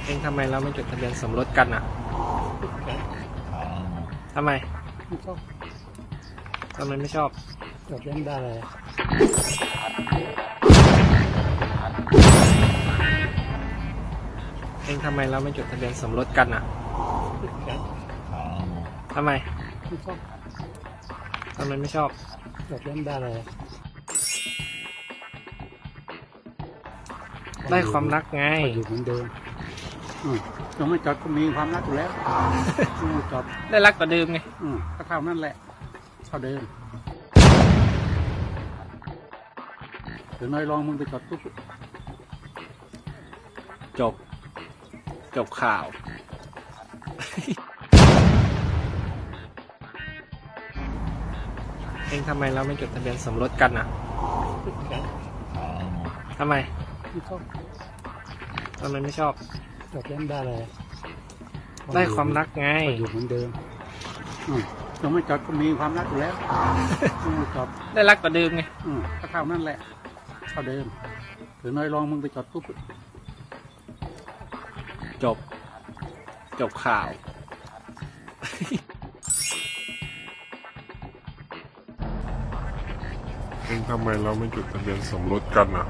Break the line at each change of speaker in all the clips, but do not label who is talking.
เองทำไมเราไม่จดทะเบียนสมรสกันอ่ะทำไม
ไม่ชอบ
ทำไมไม่ชอบ
จดเล่นได้เลย
เองทำไมเราไม่จดทะเบียนสมรสกันอ่ะทำไม
ไม่ชอบ
ทำไมไม่ชอบ
จดเล่นได้เลย
ได้ความรักไง
อยู่เหมือนเดิมยังไม่จดก็มีความรักอยู่แล้วไม่จด
ได้รักกว่าเดิมไง
ก็เท่านั้นแหละเท่าเดิมเดี๋ยวนายลองมึงไปจดปุ๊บ
จบข่าว เองทำไมเราไม่จดทะเบียนสมรสกันอ่ะทำไม
ไม่ชอบ
ทำไมไม่ชอบ
จดเล่นได้เลย
ได้ความรักไง
อยู่เหมือนเดิมยังไม่จดก็มีความรักอยู่แล้วไม่จด
ได้รักกว่าเดิมไง
ก็เท่านั้นแหละเท่าเดิมเดี๋ยวนายลองมึงไปจดปุ๊บ
จบข่าว
เองทำไมเราไม่จดทะเบียนสมรสกันอ่ะ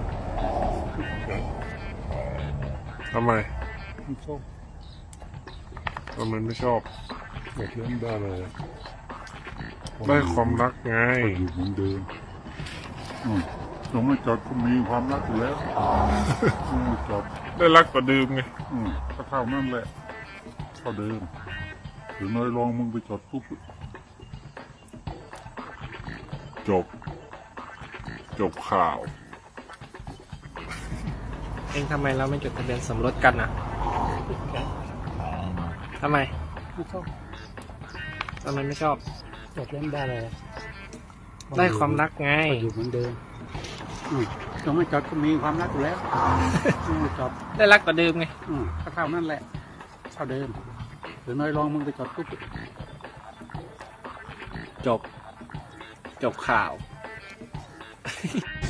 ทำไม
ไม่ชอบ
ทำไมไม่ชอบ
จดเล่นได้เลย
ได้ความรักไง
อยู่เหมือนเดิมยังไม่จดก็มีความรักอยู่แล้วไม่จด
ได้รักกว่าเดิมไง
ก็เท่านั้นแหละเท่าเดิมเดี๋ยวนายลองมึงไปจดปุ๊บ
จบข่าว
เองทำไมเราไม่จดทะเบียนสมรสกันอ่ะทำไม
ไม่ชอบ
ทำไมไม่ชอบ
จดเล่นได้เลย
ได้ความรักไง
อยู่เหมือนเดิมยังไม่จดก็มีความรักอยู่แล้วไม่จด
ได้รักกว่าเดิมไง
ก็เท่านั้นแหละเท่าเดิมเดี๋ยวนายลองมึงไปจดปุ๊บ
จบข่าว